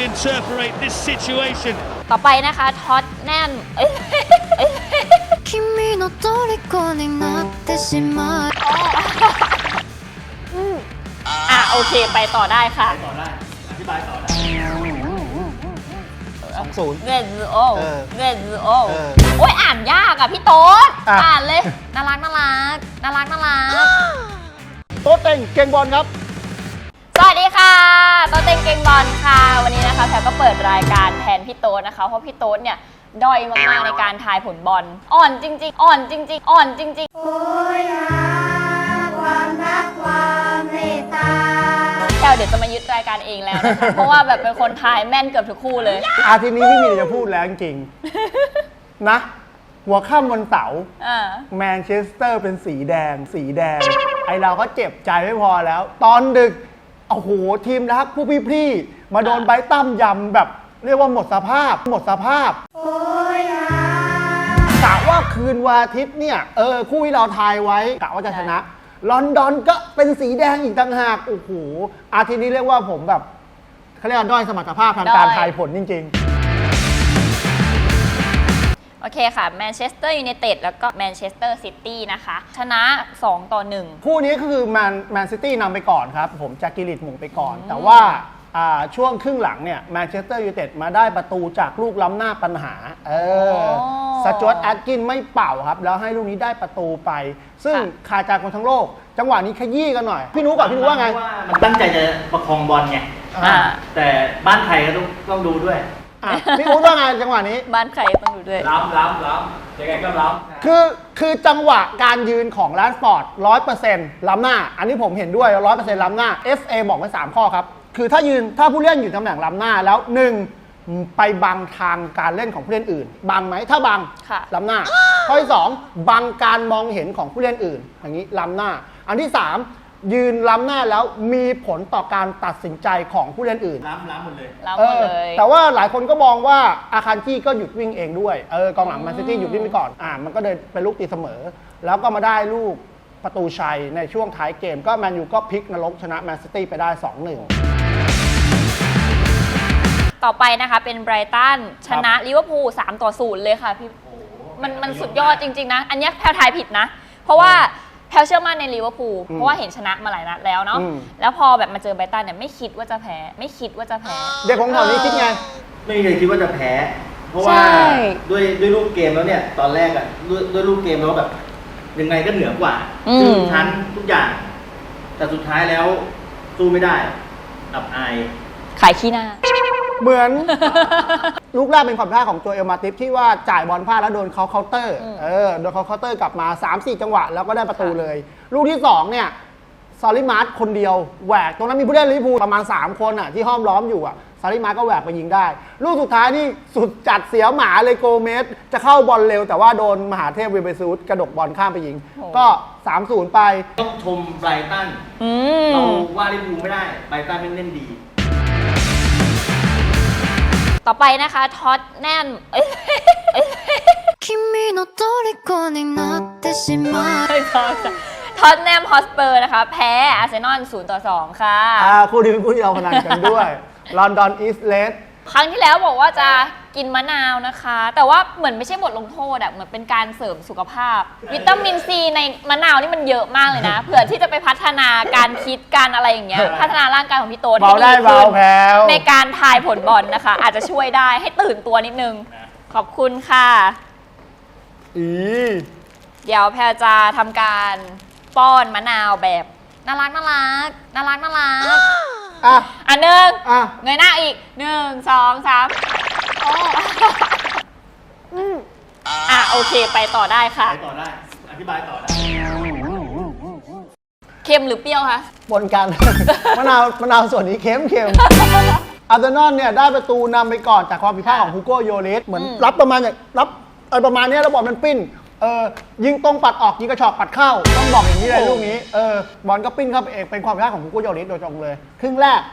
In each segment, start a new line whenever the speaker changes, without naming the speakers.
interpret this situation
ต่อไปนะคะท็อตแนม
君の虜になってしまう
โอเคไปต่อได้ค่ะ
ต่อได้อธิบายต่อได้
เงินโอเงินโอ
เออ
โอ้ยอ่านยากอ่ะพี่โต๊ด
อ่ะ
อ่านเลยน่ารักน่ารักน่ารักน่ารัก
โต๊ะเต็งเก่งบอลครับ
สวัสดีค่ะโต๊ดเต็งเก่งบอลค่ะวันนี้นะคะแพรก็เปิดรายการแทนพี่โต๊ดนะคะเพราะพี่โต๊ดเนี่ยด้อยมากๆในการทายผลบอลอ่อนจริงๆอ่อนจริงๆอ่อนจริงๆ
โอ้ยนะความรักความเมตตา
แพรเดี๋ยวจะมายึดรายการเองแล้วนะคะ เพราะว่าแบบเป็นคนทายแม่นเกือบทุกคู่เลย
อาทิตย์นี้ไม่มีอะไรจะพูดแล้วจริงๆ นะ หัวค่ำวันเสาร์
อ่า
แมนเชสเตอร์เป็นสีแดง ไอเราก็เจ็บใจไม่พอแล้ว ตอนดึก โอ้โห ทีมรักผู้พี่ๆมาโดนไบรตันยำแบบเรียกว่าหมดสภาพ
โอ้ยนะ
กะว่าคืนวันอาทิตย์เนี่ย คู่ที่เราทายไว้กะว่าจะชนะ ลอนดอนก็เป็นสีแดงอีกต่างหาก โอ้โห อาทิตย์นี้เรียกว่าผมแบบเขาเรียกว่าด้อยสมรรถภาพทางการทายผลจริงๆ
โอเคค่ะแมนเชสเตอร์ยูไนเต็ดแล้วก็แมนเชสเตอร์ซิตี้นะคะชนะ2-1
คู่นี้ก็คือแมนซิตี้นำไปก่อนครับ ผมจากกิริตหมุงไปก่อน แต่ว่าช่วงครึ่งหลังเนี่ยแมนเชสเตอร์ยูไนเต็ดมาได้ประตูจากลูกล้ำหน้าปัญหาสจ๊วตแอดกินไม่เป่าครับ แล้วให้ลูกนี้ได้ประตูไป ซึ่งคาใจคนทั้งโลก จังหวะนี้ขยี้กันหน่อย พี่นุ๊กก่อนพี่นุ๊กว่าไง
มันตั้งใจจะประคองบอลไง
อ่า
แต่บ้านไทยก็ต้องดูด้วย
พี่นุ๊กว่าไงจังหวะนี้
บ้านใครต้องดูด้วย
ล้ำยังไงก็ล้ำ
คือจังหวะการยืนของแรชฟอร์ด 100% ล้ำหน้า อันนี้ผมเห็นด้วย 100% ล้ำหน้า FA บอกไว้3ข้อครับ คือถ้าผู้เล่นอยู่ตำแหน่งล้ำหน้าแล้ว 1. ไปบังทางการเล่นของผู้เล่นอื่น บังไหมถ้าบัง
ค่ะ
ล้ำหน้า ข้อที่ 2 บังการมองเห็นของผู้เล่นอื่น อย่างนี้ล้ำหน้า อันที่ 3 ยืนล้ำหน้าแล้วมีผลต่อการตัดสินใจของผู้เล่นอื่น
ล้ำหมดเลย
แล้วหมดเลย
แต่ว่าหลายคนก็มองว่าอาคารจี้ก็หยุดวิ่งเองด้วยกองหลังแมนซิตี้หยุดวิ่งไปก่อนมันก็เลยเป็นลูกตีเสมอ แล้วก็มาได้ลูกประตูชัยในช่วงท้ายเกม ก็แมนยูก็พลิกนรกชนะแมนซิตี้ไปได้ 2-1
ต่อไปนะคะเป็นไบรตันชนะลิเวอร์พูล3-0เลยค่ะพี่มันสุดยอดจริงๆนะ อันนี้แพลทายผิดนะ เพราะว่าแพลเชื่อมั่นในลิเวอร์พูลเพราะว่าเห็นชนะมาหลายนัดแล้วเนาะแล้วพอแบบมาเจอไบรตันเนี่ยไม่คิดว่าจะแพ้ไม่คิดว่าจะแพ้
เด็กของแถวนี้คิดไง
ไม่เคยคิดว่าจะแพ้ เพราะว่า
ใช่
ด้วยรูปเกมแล้วเนี่ย ตอนแรกอ่ะด้วยรูปเกมแล้วแบบยังไงก็เหนือกว่าชั้นทุกอย่าง แต่สุดท้ายแล้วสู้ไม่ได้อับอาย
ขายขี้หน้า
เหมือน ลูกแรกเป็นความพลาดของตัวเอลมาติฟที่ว่าจ่ายบอลพลาดแล้วโดนเขาเคาน์เตอร์โดนเขาเคาน์เตอร์กลับมา 3-4 จังหวะแล้วก็ได้ประตูเลย ลูกที่ 2 เนี่ยซาลิมาร์ตคนเดียวแหวกตรงนั้นมีผู้เล่นลิเวอร์พูลประมาณ 3 คนที่ห้อมล้อมอยู่ซาลิมาร์ตก็แหวกไปยิงได้ ลูกสุดท้ายนี่สุดจัดเสียวหมาเลยโกเมสจะเข้าบอลเร็วแต่ว่าโดนมหาเทพเวเบซูสกระดกบอลข้ามไปยิง ก็ 3-0 ไป
ต้องชมไบรตันเราว่าลิเวอร์พูลไม่ได้ไบรตันเล่นดี
ต่อไปนะคะท็อตแนม
君の虜になってしまう
ท็อตแนมฮอสเปอร์นะคะแพ้อาร์เซนอล0-2ค่ะ
คู่นี้เป็นคู่ที่เราพนันกันด้วยลอนดอนอีสต์เลส
ครั้งที่แล้วบอกว่าจะกินมะนาวนะคะ แต่ว่าเหมือนไม่ใช่บทลงโทษเหมือนเป็นการเสริมสุขภาพ วิตามินซีในมะนาวนี่มันเยอะมากเลยนะ เผื่อที่จะไปพัฒนาการคิดการอะไรอย่างเงี้ยพัฒนาร่างกายของพี่โต๊ดให้ดีขึ้นในการทายผลบอลนะคะ อาจจะช่วยได้ให้ตื่นตัวนิดนึง ขอบคุณค่ะเดี๋ยวแพรจะทำการป้อนมะนาวแบบน่ารักน่ารักน่ารักน่ารักอันหนึ่งเงยหน้าอีก1 2 3โอเคไปต่อได้ค่ะ
ไปต่อได้ อธิบายต่อได้
เค็มหรือเปรี้ยวคะ
ปนกัน มะนาวส่วนนี้เค็มอาร์เซนอลเนี่ยได้ประตูนำไปก่อนจากความผิดพลาดของฮูโกโยริสเหมือนรับประมาณนี้แล้วบอลมันปิ้นยิงตรงปัดออกยิงกระชอกปัดเข้าต้องบอกอย่างนี้เลยลูกนี้บอลก็ปิ้นเข้าไปเองเป็นความผิดพลาดของฮูโกโยริสโดยตรงเลยครึ่งแรก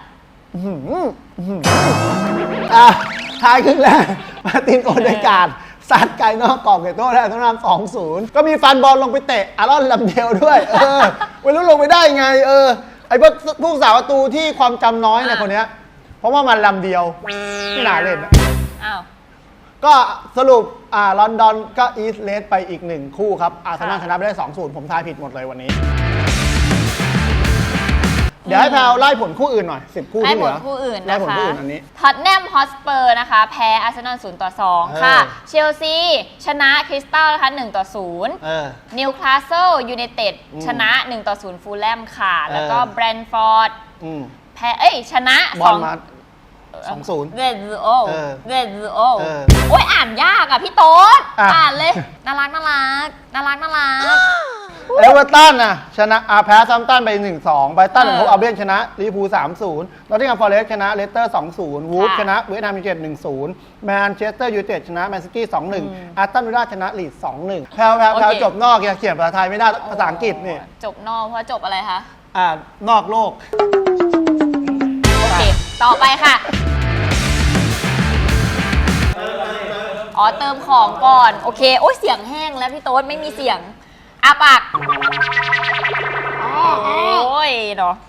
ท้ายครึ่งแรกมาร์ตินโอเดการ์ดซัดไกลนอกกรอบเกตโต้ได้ต้องนำ 2-0 ก็มีฟันบอลลงไปเตะอารอนลำเดียวด้วยไม่รู้ลงไปได้ไงไอ้พวกสาวประตูที่ความจำน้อยเนี่ยคนเนี้ยเพราะว่ามันลำเดียวไม่น่าเล่นนะ
อ้าว
ก็สรุปลอนดอนก็อีสเลสไปอีก1คู่ครับอาร์เซนอลชนะไปได้ 2-0 ผมทายผิดหมดเลยวันนี้ เดี๋ยวให้แพลวไล่ผลคู่อื่นหน่อย 10 คู่
ไล่
ที่เห
ผ
ลื
ล
อ
คู่อื่น
ไล่
นะ
ผล
คะ
คู่อื่นอันนี้
ท็อตแนมฮอสเปอร์นะคะ แพ้อาร์เซนอล0-2 ค่ะ เชลซีชนะคริสตัลนะคะ1-0 นิวคาสเซิลยูไนเต็ดชนะ 1-0 ฟูลแลมค่ะ แล้วก็แบรนท์ฟอร์ดแพ้ชนะ
บอลมา2-0
เรดซูโอ
เออ
เรดซูโอ
เออ
โอ้ยอ่านยากอ่ะพี่โต๊ด
อ่ะ
อ่านเลย น่ารักน่ารักน่ารักน่ารัก
เอเวอร์ตันนะชนะแพ้ซัมตันไป 1-2 ไบรตันของอัลเบียนชนะลิเวอร์พูล 3-0 นอตติงแฮมฟอเรสต์ชนะเลสเตอร์ 2-0 วูฟชนะเวสต์แฮมยูไนเต็ด 1-0 แมนเชสเตอร์ยูไนเต็ดชนะแมนซิตี้ 2-1 อาร์ตันวิลล่าชนะลีด 2-1 แพลวจบนอกอย่าเขียนภาษาไทยไม่ได้ภาษาอังกฤษนี่
จบนอกเพราะจบอะไรคะ
นอกโลก
โอเค ต่อไปค่ะ อ๋อ เติมของก่อน โอเค โอ้ยเสียงแห้งแล้วพี่โต๊ดไม่มีเสียงอาปากโอ้ยเนาะ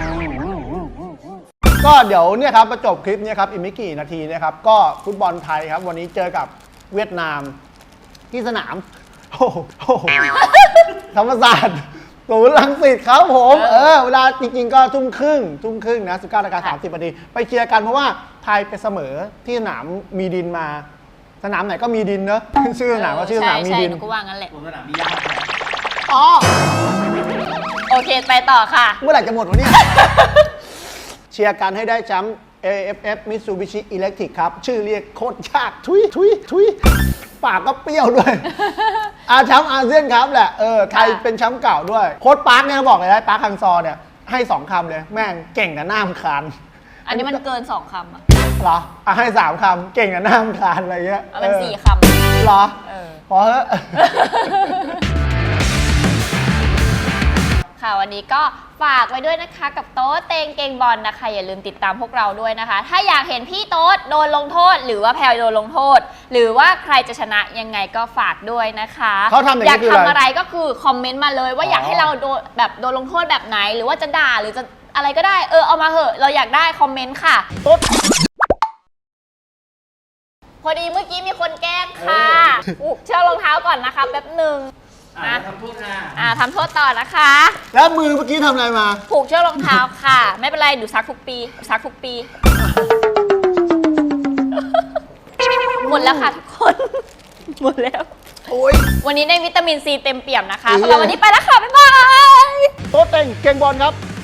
ก็เดี๋ยวเนี่ยครับประจบคลิปเนี่ยครับอีกไม่กี่นาทีนะครับก็ฟุตบอลไทยครับวันนี้เจอกับเวียดนามที่สนามโอ้โหธรรมศาสตร์ศูนย์รังสิตครับผมเวลาจริงๆก็ทุ่มครึ่งนะ 19:30 นาทีไปเชียร์กันเพราะว่าไทยไปเสมอที่สนามมีดินมาสนามไหนก็มีดินเนอะชื่อสนามก็ชื่อสนามมีดิน
ใช่หนูก็ว่างั้นแหละ
ผมสนามมียาก
อ๋อ
โอเค ไปต่อค่ะ
เมื่อไหร่จะหมดวะเนี่ย เชียร์กันให้ได้แชมป์ AFF Mitsubishi Electric ครับ ชื่อเรียกโคตรยากทุยปากก็เปรี้ยวด้วย แชมป์อาเซียนครับแหละไทยเป็นแชมป์เก่าด้วย โค้ชปาร์คเนี่ยบอกเลยนะปาร์คฮังซอเนี่ยให้ 2 คำเลย แม่งเก่งกับหน้ามคาน
อันนี้มันเกิน 2 คำอ่ะ
เหรอให้ 3 คำเก่งกับหน้ามคานอะไรเงี้ย
เอาเป็น 4 คำ
เหรอ
เออ
พอเถอะ
ค่ะวันนี้ก็ฝากไว้ด้วยนะคะกับโต๊ดเตงเกงบอลนะคะอย่าลืมติดตามพวกเราด้วยนะคะ ถ้าอยากเห็นพี่โต๊ดโดนลงโทษ หรือว่าแพลโดนลงโทษ หรือว่าใครจะชนะยังไงก็ฝากด้วยนะคะ
เขาทำอย่างนี้
อยาก
คืออะไร
ทำอะไรก็คือคอมเมนต์มาเลยว่าอยากให้เราโดนลงโทษแบบไหน หรือว่าจะด่าหรือจะอะไรก็ได้เอามาเหอะเราอยากได้คอมเมนต์ค่ะ พอดีเมื่อกี้มีคนแกล้งค่ะเชือกรองเท้าก่อนนะคะแป๊บหนึ่งนะ
ทำโทษนะ
ทำโทษต่อนะคะ
แล้วมือเมื่อกี้ทำอะไรมา
ผูกเชือกรองเท้าค่ะ ไม่เป็นไรดูซักทุกปีหมดแล้วค่ะทุกคน หมดแล้ว
โอ้ย
วันนี้ได้วิตามินซีเต็มเปี่ยมนะคะสำหรับวันนี้ไปแล้วค่ะ บ๊ายบาย
โต๊ะเต็งเก่งบอลครับ